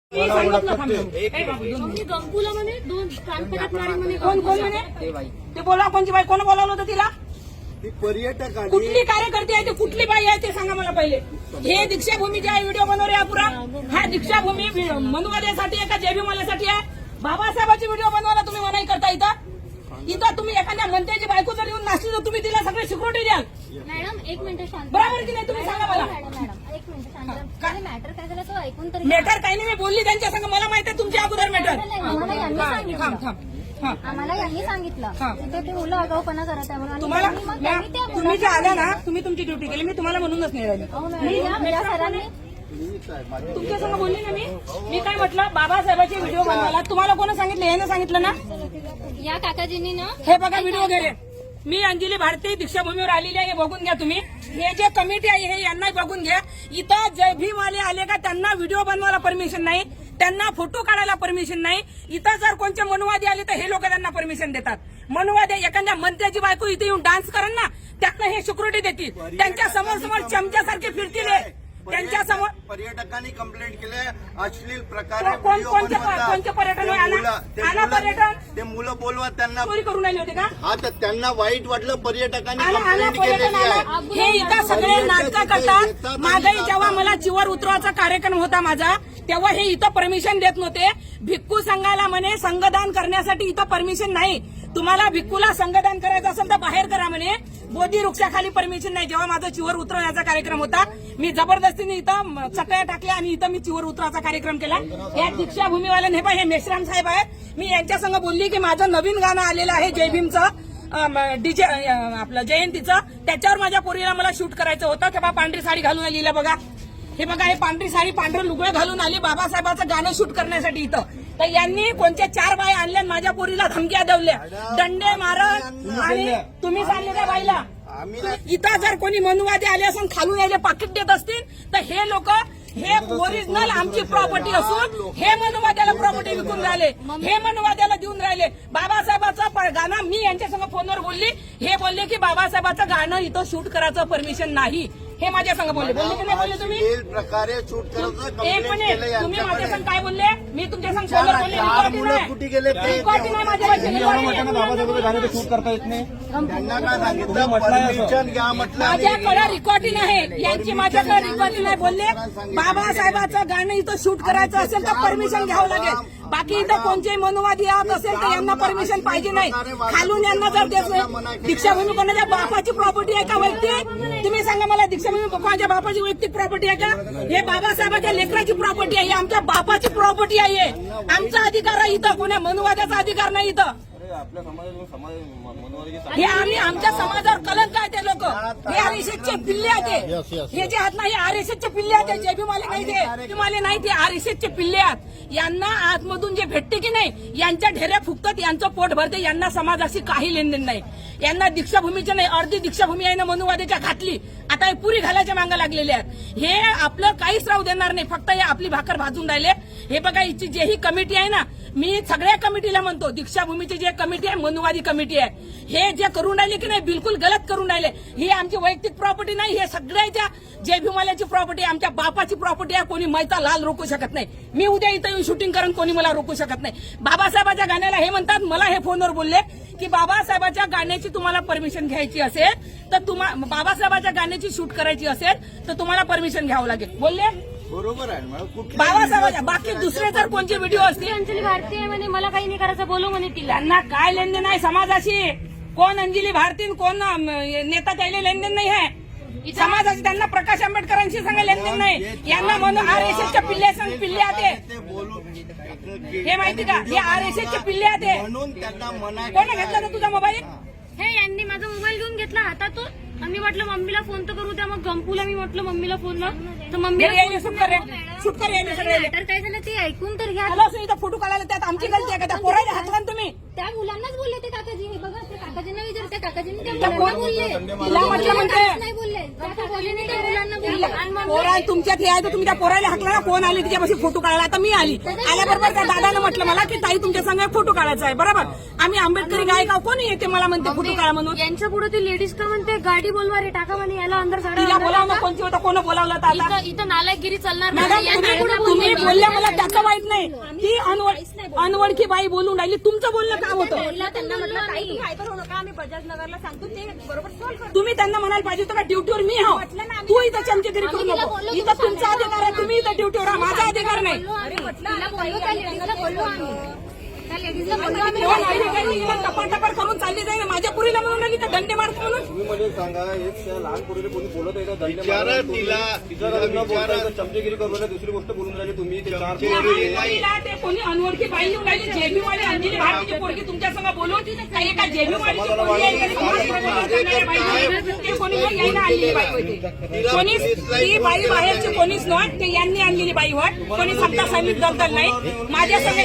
गंगूला म्हणे दोन कानपटात मारी म्हणे. कोण कोण म्हणे ते बोला. कोणची बाई? कोण बोलावलं होतं तिला? पर्यटक कुठली कार्यकर्ती आहे ते? कुठली बाई आहे ते सांगा मला पहिले. हे दीक्षाभूमीचे आहे व्हिडिओ बनवले हा पुरा. हा दीक्षाभूमी मनुवाद्यासाठी आहे का जयभीमाल्यासाठी आहे? बाबासाहेबांची व्हिडिओ बनवायला तुम्ही मनाई करता इथं? इथं तुम्ही एखाद्या मंत्र्याची बायको जर येऊन नाचली तर तुम्ही तिला सगळे सिक्युरिटी द्याल? मॅडम एक मिनिट शांत. बरोबर की नाही? तुम्ही सांगा मला. मॅडम एक मिनिट शांत. मॅटर काय झालं तो ऐकून तरी. मॅटर काही नाही, मी बोलली त्यांच्या संग. मला माहिती आहे तुमच्या अगोदर मॅटर. आम्हाला यांनी सांगितलं. आम्हाला यांनी सांगितलं तिथे ते मुलं आगाऊपणा करत आहे म्हणून. तुम्हाला तुम्ही जे आल्या ना, तुम्ही तुमची ड्युटी केली. मी तुम्हाला म्हणूनच नाही राहिली. सरांनी तुमच्या संग बोलली ना मी काय म्हटलं? बाबासाहेबांचे व्हिडिओ बनवायला तुम्हाला कोण सांगितलं? यानं सांगितलं ना? या काकाजींनी ना हे बघा व्हिडिओ गेले. मी अंजली भारती दीक्षाभूमीवर आलेली आहे. हे बघून घ्या तुम्ही. हे जे कमिटी आहे हे यांना बघून घ्या. इथं जय भीमवाले आले का त्यांना व्हिडिओ बनवायला परमिशन नाही, त्यांना फोटो काढायला परमिशन नाही. इथं जर कोणते मनुवादी आले तर हे लोक त्यांना परमिशन देतात. मनुवादी एखाद्या मंत्र्याची बायको इथे येऊन डान्स करण ना, त्यांना हे सिक्युरिटी देतील. त्यांच्या समोर समोर चमच्यासारखे फिरतील. त्यांच्या समोर पर्यटकांनी कंप्लेंट केले अश्लील प्रकारे कोणते पर्यटन? आला पर्यटन ते मुलं बोलवा त्यांना चोरी करून राहिले होते का? हा तर त्यांना वाईट वाटलं. पर्यटकांनी आला कंप्लेंट पर्यटन केलेली आहे. आला. हे इथं सगळे नाटकं करतात. माझाही जेव्हा मला चिवर उतरवायचा कार्यक्रम होता माझा, तेव्हा हे इथं परमिशन देत नव्हते. भिक्खू संघाला म्हणे संघदान करण्यासाठी इथं परमिशन नाही. तुम्हाला भिक्खूला संघदान करायचं असेल तर बाहेर करा म्हणे. बोधी वृक्षाखाली परमिशन नाही. जेव्हा माझा चिवर उतरवण्याचा कार्यक्रम होता, मी जबरदस्तीने इथं चटया टाकल्या आणि इथं मी चिवर उतराचा कार्यक्रम केला. या दीक्षाभूमीवाल्याने हे मेश्राम साहेब आहेत. मी यांच्या संग बोलली की माझं नवीन गाणं आलेलं आहे जय भीमचं, डीजे आपलं जयंतीचं. त्याच्यावर माझ्या पोरीला मला शूट करायचं होतं. तेव्हा पांढरी साडी घालून आलेली बघा. हे बघा, हे पांढरी साडी पांढरं लुगडं घालून आली बाबासाहेबाचं गाणं शूट करण्यासाठी इथं. तर यांनी कोणत्या 4 बाया आणल्या माझ्या पोरीला धमक्या देवल्या, दंडे मारत. आणि तुम्ही सांगले त्या बाईला इथं जर कोणी मनुवादी आले असून खालून यायला पाकिट देत असतील तर हे लोक हे ओरिजिनल आमची प्रॉपर्टी असून हे मनुवाद्याला प्रॉपर्टी विकून राहिले, हे मनुवाद्याला देऊन राहिले. बाबासाहेबाचं गाणं मी यांच्यासमोर फोनवर बोलली. हे बोलले की बाबासाहेबाचं गाणं इथं शूट करायचं परमिशन नाही. हे माझ्या संग बोलले की नाही बोलले तुम्ही? प्रकारे शूट करायचं एक मिनिट, तुम्ही माझ्या संग काय बोलले? मी तुमच्या संग फोनवर बोलले. कुठे गेले ते रिकॉर्डिंग नाही माझ्या बाबासाहेबांचं गाणं शूट करता येत नाही. त्यांना काय सांगितलं? परमिशन घ्या म्हटलं. माझ्याकडे रेकॉर्डिंग आहे यांची. माझ्याकडे रेकॉर्डिंग आहे. बोलले बाबासाहेबाचं गाणं इथं शूट करायचं असेल तर परमिशन घ्यावं लागेल. बाकी इथं कोणते मनुवादी आत असेल तर यांना परमिशन पाहिजे नाही. खालून यांना जर देत नाही. दीक्षाभूमी कोणाच्या बापाची प्रॉपर्टी आहे का वैयक्तिक? तुम्ही सांगा मला. दीक्षाभूमी कोणाच्या बापाची वैयक्तिक प्रॉपर्टी आहे का? हे बाबासाहेबांच्या लेकराची प्रॉपर्टी आहे. आमच्या बापाची प्रॉपर्टी आहे. आमचा अधिकार आहे इथं. कोणा मनुवाद्याचा अधिकार नाही इथं. हे आम्ही आमच्या समाजावर कलंक आहे. ते लोक हे आरएसएसचे पिल्ले आहेत. हे जे आहेत ना हे आरएसएसचे पिल्ले आहेत. जयभीमाले नाही, ते जयभीमाले नाही, ते आरएसएसचे पिल्ले आहेत. यांना आतमधून जे भेटते की नाही, यांच्या ढेऱ्या फुकतात, यांचं पोट भरते. यांना समाजाशी काही लेनदेन नाही. यांना दीक्षाभूमीचे नाही. अर्धी दीक्षाभूमी आहे ना मनुवाद्याच्या घातली. आता हे पुरी घालायच्या मागं लागलेले आहेत. हे आपलं काहीच राहू देणार नाही. फक्त हे आपली भाकर भाजून राहिले. हे बघा, हिची जे ही कमिटी आहे ना, मी सगळ्या कमिटीला म्हणतो, दीक्षाभूमीची जे कमिटी आहे मनुवादी कमिटी आहे, हे जे करून राहिले की नाही बिलकुल गलत करून राहिले. ही आमची वैयक्तिक प्रॉपर्टी नाही. हे सगळ्याच्या जय भीमाल्याची प्रॉपर्टी आहे. आमच्या बापाची प्रॉपर्टी आहे. कोणी मैता लाल रोखू शकत नाही. मी उद्या इथं येऊन शूटिंग करून कोणी मला रोखू शकत नाही. बाबासाहेबाच्या गाण्याला हे म्हणतात. मला हे फोनवर बोलले की बाबासाहेबाच्या गाण्याची तुम्हाला परमिशन घ्यायची असेल तर बाबासाहेबाच्या गाण्याची शूट करायची असेल तर तुम्हाला परमिशन घ्यावं लागेल बोलले. बरोबर आहे. बाबासाहेबाच्या बाकी दुसरे जर कोणते व्हिडिओ असतील. अंजली भारती आहे म्हणे, मला काही नाही करायचं, बोलू म्हणे तिला. त्यांना काय लेनदेन आहे समाजाशी? कोण अंजली भारती कोण नेता त्याला लेनदेन नाही आहे समाजाची. त्यांना प्रकाश आंबेडकरांशी सांगा लेनदेन नाही. यांना म्हणून आरएसएसच्या पिल्ले आहे. हे माहिती का? हे आरएसएसचे पिल्ले आहे. कोण घेतला ना तुझा मोबाईल? हे यांनी माझा मोबाईल घेऊन घेतला हातातून. आम्ही म्हटलं मम्मीला फोन तर करू द्या. मग गंपूला मी म्हटलं मम्मीला फोन लाव तर मम्मीला शूट कर यायला सगळे. मॅटर काय झालं ते ऐकून तर घ्या. इथं फोटो काढायला त्यात आमची गलती आहे का? त्या पोरायला हातला तुम्ही. त्या मुलांनाच बोलले ते काकाजी. हे बघा, ते काकाजींना विचार. त्या काकाजींनी त्या मुलांना बोलले. तिला म्हटलं म्हणते नाही बोलले. फक्त बोलली नाही, त्या मुलांना बोलली. आणि मग पोरा तुमच्यात हे आहे तर तुम्ही त्या पोराला हाकला ना, कोण आली तिच्यापाशी फोटो काढायला. आता मी आली, आल्याबरोबर त्या दादानं म्हटलं मला की ताई तुमच्या संग फोटो काढायचा आहे. बरोबर, आम्ही आंबेडकरी गायकाव, कोणी येते मला म्हणते फोटो काढा म्हणून. यांच्या पुढे ती लेडीज का म्हणते गाडी बोलवा रे, टाका म्हणे याला अंदर तिला बोलावलं, कोणती होतं, कोण बोलावलं तर आता. इथं नालायकगिरी चालणार नाही. मॅडम यांच्या पुढे तुम्ही बोलल्या, मला त्याचं वाईट नाही. ती अनवळखी बाई बोलून राहिली, तुमचं बोलणं काय होतं. त्यांना म्हटलं काही तुम्ही हायपर होऊ नका, आम्ही बजाजनगरला सांगतो ते बरोबर सॉल्व्ह करतो. तुम्ही त्यांना म्हणायला पाहिजे होतं का ड्युटीवर मी हा, तू इथं चमचेगिरी करू नको. इथं तुमचा अधिकार आहे, तुम्ही इथं ड्युटीवर हा, माझा अधिकार नाही. त्या लेडीजला बोललो आम्ही. कोण अधिकारी इथं टपाटपर करून चालली जाईल, माझ्या पुरीला म्हणून राहिली तर दंडे मारतो म्हणून. तुम्ही म्हणजे सांगा, एक त्या लहान पोरीला कोणी बोलत आहे का? दंड विचारा मारायला तुम्ही- तिला, तिचं लग्न बोलताय तर चमचेगिरी करून राहिले, दुसरी गोष्ट बोलून राहिली तुम्ही. ते चार त्या बाईला ते कोणी अनोळखी बाई येऊन राहिली, जेबीवाली अंजली भारतीची पोरगी तुमच्या संग बोलून काही एका जेबीवालीची पोरगी आहे, तरी समाजप्रबोधन करणाऱ्या बाई होती. ते कोणी मग यायला आणलेली बाई होती. कोणीच ती बाई बाहेरची कोणीच नाही, ते यांनी आणलेली बाई होत. कोणी सत्ता सैनिक दलदल नाही. माझ्या संग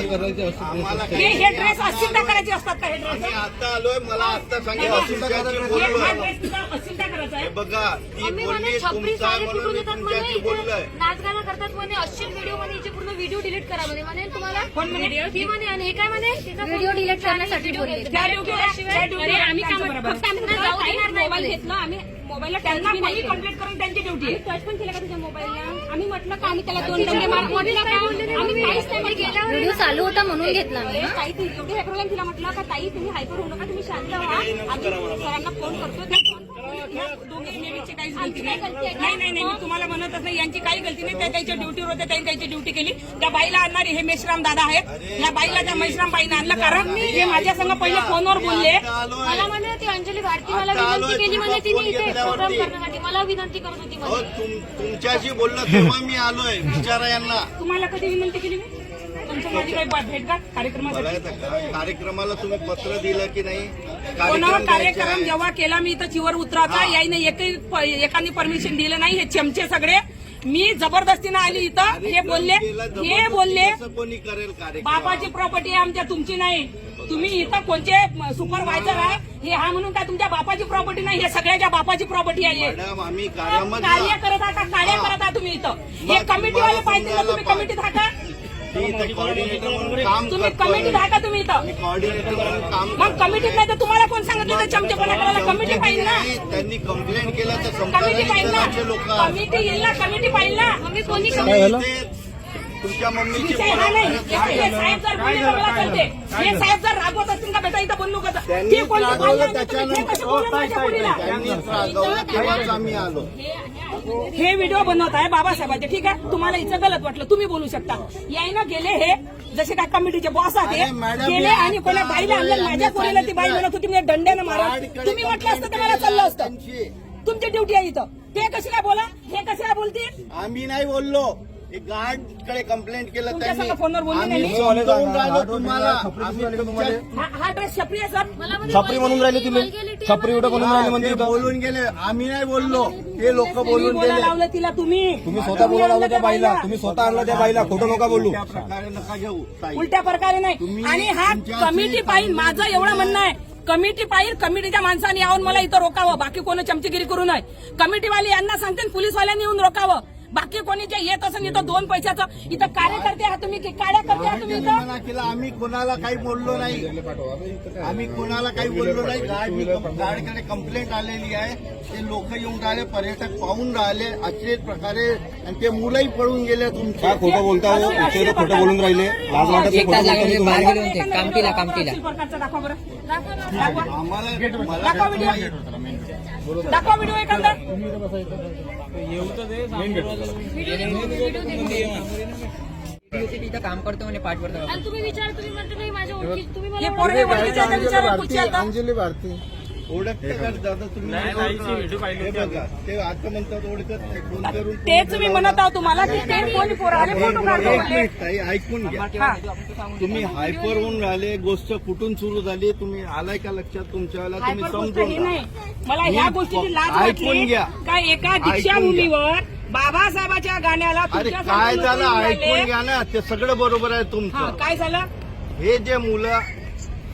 हे ड्रेस अश्चिंता करायचे असतात का? हे ड्रेस मी आता आलोय, मला आता सांगितलं तुमच्याशी बोललोय. हा ड्रेस तुझा अश्चिंता करायचा आहे. हे बघा, ती मम्मी बोलली म्हणे छपरी तुमचा साडी म्हणून कुठून मी येतात म्हणे, तुमच्याशी इथे बोललोय. नाच गाणं करतात म्हणे, अश्लील व्हिडिओ म्हणे, याचे पूर्ण व्हिडिओ डिलीट करा म्हणे. म्हणेल तुम्हाला कोण म्हणे? ती म्हणे. आणि हे काय म्हणे, व्हिडिओ डिलीट करण्यासाठी बोलले. त्या ड्युटीवर आम्ही काय म्हणतो? फक्त आम्ही त्यांना जाऊ देणार नाही मोबाईल म्हणे. घेतला आम्ही, मोबाईलला त्यांना टच कोणी कंप्लेंट करून त्यांची ड्युटी आहे. टच पण केलं का तुझ्या मोबाईलला? आम्ही म्हटलं का आम्ही त्याला दोन दंडे मार म्हटलं का आम्ही काहीच नाही म्हटलं. व्हिडिओ चालू होता म्हणून घेतला मी. ताई ती एवढी हायपर तिला म्हटलं का ताई तुम्ही हायपर होऊ नका, तुम्ही शांत व्हा, आम्ही सरांना फोन करतो. त्या फोन दोघे लेडीजची काहीच गलती नाही. नाही, मी तुम्हाला म्हणतच नाही, यांची काही गलती नाही. त्या त्याच्या ड्युटीवर होत्या, त्यांनी त्यांची ड्युटी केली. त्या बाईला आणणारे हे मेश्राम दादा आहेत. या बाईला त्या मेश्राम बाईनं आणलं, कारण हे माझ्या संग पहिले फोनवर बोलले. आता आलोय. मला म्हणे ती अंजली भारती मला आता विनंती आलोय, केली म्हणे, तुझा तिने फोन इथे प्रोग्राम घेतल्यावरती. करण्यासाठी मला विनंती करत होती अहो, म्हणे. तुमच्याशी बोललो तेव्हा मी आलोय. विचारा यांना. तुम्हाला कधी विनंती केली मी? तुमचं माझी काही भेट का कार्यक्रमासाठी? मला येतं का? कार्यक्रमाला तुम्ही पत्र दिलं की नाही? कोणावर कार्यक्रम द्यायचे कार्यक्रम आहे. जेव्हा केला मी इथं चिवर उतराचा, याने एकाने परमिशन दिलं नाही. हे चमचे सगळे मी जबरदस्तीनं आली इथं. हे बोलले, असं कोणी करेल कार्यक्रम? बापाची प्रॉपर्टी आहे आमच्या, तुमची नाही. तुम्ही इथं कोणते सुपरवायझर आहे, हे हा म्हणून काय तुमच्या बापाची प्रॉपर्टी नाही, हे सगळ्याच्या बापाची प्रॉपर्टी आहे. मॅडम, आम्ही कार्यामध्ये कार्य करत आहात का? कार्य करत आहात तुम्ही इथं. हे कमिटीवाले पाहिजे ना, तुम्ही कमिटीत आहात का? कॉर्डिनेटर म्हणून काम तुम्ही करतोय. कमिटीत आहात का तुम्ही इथं? मी कॉर्डिनेटर म्हणून काम मग कमिटीत नाही तर तुम्हाला कोण सांगितलं तर चमचेपणा करायला? कमिटी पाहिजे ना, नाही, त्यांनी कंप्लेंट केलं तर कमिटी पाहिजे ना, संपादनाचे लोक कमिटी येईल ना, कमिटी पाहिजे ना. मम्मी कोणी तुमच्या मम्मीची विषय हा नाही. हे साहेब जर बोलले तर मला चालते. हे साहेब जर रागवत असतील का बेटा इथं बोलू का? त्यांनी हे कोणतं रागवलं बोललं नाही तर तुम्ही हे कसे बोलले माझ्या त्याच्यानंतर मुलीला? त्यांनीच रागवलं तेव्हाच आम्ही आलो. हे व्हिडिओ बनवत आहे बाबासाहेबांचे, ठीक आहे. तुम्हाला इथं गलत वाटलं, तुम्ही बोलू शकता. यायनं गेले हे जसे काय कमिटीचे बॉस अरे आहेत, मॅडम, गेले मी आणि कोणा आता बाईला आणलं. आलोय, माझ्या आम्ही पोरीला ती बाई सांगितलं. म्हणत होती मी डंड्यानं मारा. गार्डकडे तुम्ही म्हटलं असतं तर मला complaint चाललं असतं. त्यांची. तुमची ड्युटी आहे इथं. ते कशी काय बोला, हे कसे काय बोलतील? आम्ही नाही बोललो. गार्डकडे कंप्लेंट केलं तुमच्या त्यांनी. संग फोनवर बोलले आम्ही नाही? समजावून राहिलो तुम्हाला. छपरी आम्ही दिसली का तुम्हाला? तुमच्या- हा ड्रेस छपरी आहे सर. मला म्हणे छपरी म्हणून राहिली तिला, छपरी उठं म्हणून राहिली म्हणते ते इथं. बोलून गेले. आम्ही नाही बोललो. ते लोक तुम्ही बोलून बोलायला गेले. लावलं तिला तुम्ही. तुम्ही स्वतः बोलायला लावलं त्या बाईला, तुम्ही स्वतः आणलं त्या बाईला, खोटं नका बोलू. त्या प्रकारे नका घेऊ ताई. उलट्या प्रकारे नाही. तुम्ही आणि हा तुमच्या कमिटी पाहिजे, माझं एवढं म्हणणं आहे. कमिटी पाहिजे, कमिटीच्या माणसाने यावून मला इथं रोकावं, बाकी कोणी चमचेगिरी करू नये. कमिटीवाले यांना सांगते, पोलीसवाल्यांनी येऊन रोकावं. बाकी कोणी जे येत असेल इथं 2 पैशाचं, इथं कार्यकर्ते आहात तुम्ही की कार्यकर्ते आहात तुम्ही इथं? मना केला. आम्ही कोणाला काही बोललो नाही. आम्ही कोणाला काही बोललो नाही. गार्डकडे कंप्लेंट आलेली आहे. ते लोक येऊन राहिले, पर्यटक पाहून राहिले असेच प्रकारे, आणि ते मुलंही पळून गेले तुमचे. काय खोटं बोलता हो? इथे तर खोटं बोलून राहिले. लाज वाटत नाही खोटं बोलताना तुम्हाला? कामटीला प्रकारचा दाखवा बरं. दाखवा. आम्हाला दाखवा व्हिडिओ. दाखवा व्हिडिओ एखादा. तिथं काम करतो म्हणे, पाठ पडतो. आणि तुम्ही विचार, तुम्ही म्हणता नाही माझ्या ओळखी, तुम्ही हे मला पोरगे ओळखीचे आहेत, विचारा पुढची आता. अंजली भारती ओळखते का दादा तुम्ही? हे बघा, ते आता म्हणतात ओळखत नाही. फोन करून तेच मी म्हणत आहोत तुम्हाला की ते कोणी पोराले फोटो काढतो एक म्हटले. मिनिट ताई, ऐकून घ्या. हा. तुम्ही हायपर होऊन राहिले. गोष्ट कुठून सुरू झाली तुम्ही आलाय का लक्षात तुमच्याला? तुम्ही हायपर गोष्ट समजून ही घ्या. नाही. मला ह्या गोष्टीची लाज ऐकून वाटली घ्या. का एका दीक्षाभूमीवर बाबासाहेबाच्या गाण्याला अरे तुमच्या काय समोर झालं? उभे राहिले. ऐकून घ्या ना. ते सगळं बरोबर आहे तुमचं. हा, काय झालं? हे जे मुलं, काय झालं?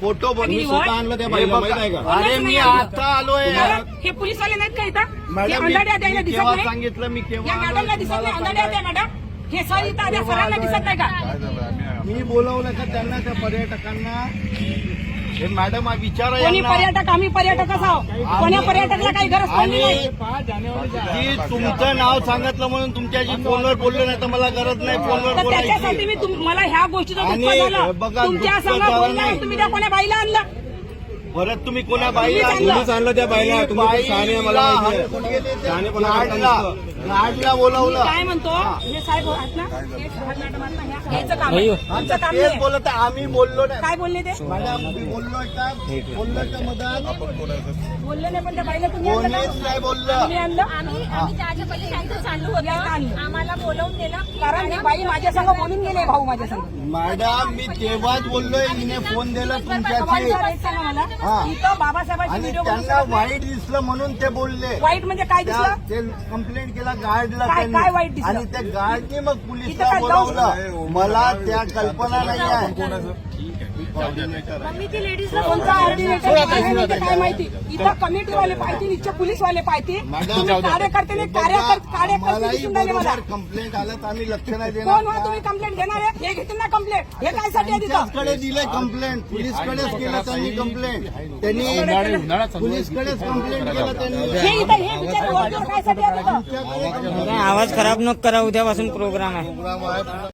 फोटो आणि बनवी वर- स्वतः आणलं त्या बाईला माहित आहे का? अरे मी आता आलोय मॅडम, हे पोलीसवाले नाहीत का इथं हे मॅडम अंधाड्या द्यायला मी दिसत केव्हा नाही सांगितलं मी या केव्हा मॅडमला दिसत नाही अंधाड्या द्या मॅडम हे सर इथं आल्या सरांना दिसत नाही का मी बोलवलं का त्यांना त्या पर्यटकांना हे मॅडम विचारा कोणी यांना. पर्यटक आम्ही पर्यटकच आहोत कोण्या पर्यटकला काही गरज पडली आणि नाही जी तुमचं नाव सांगितलं म्हणून तुमच्याशी फोनवर बोललो नाही तर मला गरज नाही फोनवर तर त्याच्यासाठी बोलायची मी मला ह्या गोष्टीचं दुःख आणि झालं बघा, तुमच्या दुःख संग झालं बोलणार नाही. तुम्ही त्या कोण्या बाईला आणलं परत तुम्ही कोणा बाईला तुम्हीच आणलं त्या बाईला. तुम्ही पण शहाणे आहे, मला माहिती आहे. शहाणेपणा करता गाडला बोलावलं काय म्हणतो हे साहेब आहेत ना हे साहेब मॅडम आहेत ना ह्याचं काम आहे आमचं काम तेच नाही बोलत आहे, आम्ही बोललो नाही काय बोलले ते मॅडम मी बोललो का बोललो का मदत बोलले नाही पण त्या बाईला तुम्ही आणलं कोणीच का? नाही बोललं तुम्ही आणलं आम्ही त्याच्या पहिले शांत चाललो या आणलं. होतो आम्हाला बोलवून दिलं कारण ही बाई माझ्या संग बोलून गेले भाऊ माझ्या संग मॅडम मी तेव्हाच बोललोय हिने फोन दिला तुमच्याशी वाईट वाटायचं ना मला हा. इथं बाबासाहेबांची आणि व्हिडिओ त्यांना वाईट दिसलं म्हणून ते बोलले वाईट म्हणजे काय त्या- दिसलं ते कंप्लेंट केला गार्डला काय- त्यांनी. काय वाईट दिसलं? आणि त्या गार्डने मग इथं पोलिसला काय बोलावलं मला त्या कल्पना नाही आहे मम्मी ती लेडीजला कोणता ऑर्डिनेटर काय माहिती काय माहिती इथं कमिटीवाले पाहिजे इथं पोलीसवाले पाहिजे तुम्ही कार्यकर्ते कार्यकर्ते मलाही दिसून राहिले मला बरोबर कंप्लेंट आलं तर आम्ही लक्ष नाही कोण देणार हो तुम्ही कंप्लेंट घेणार आहे हे घेतील ना कंप्लेंट हे काय साठी आहे तिथं त्यांच्याकडे दिले कंप्लेंट पोलीसकडेच केलं त्यांनी कंप्लेंट त्यांनी पोलीसकडेच कंप्लेंट केलं त्यांनी हे इथं हे बिचारे वरती काय साठी आहे तिथं त्यांच्याकडे आवाज खराब नको करा उद्यापासून प्रोग्राम आहे प्रोग्राम आहे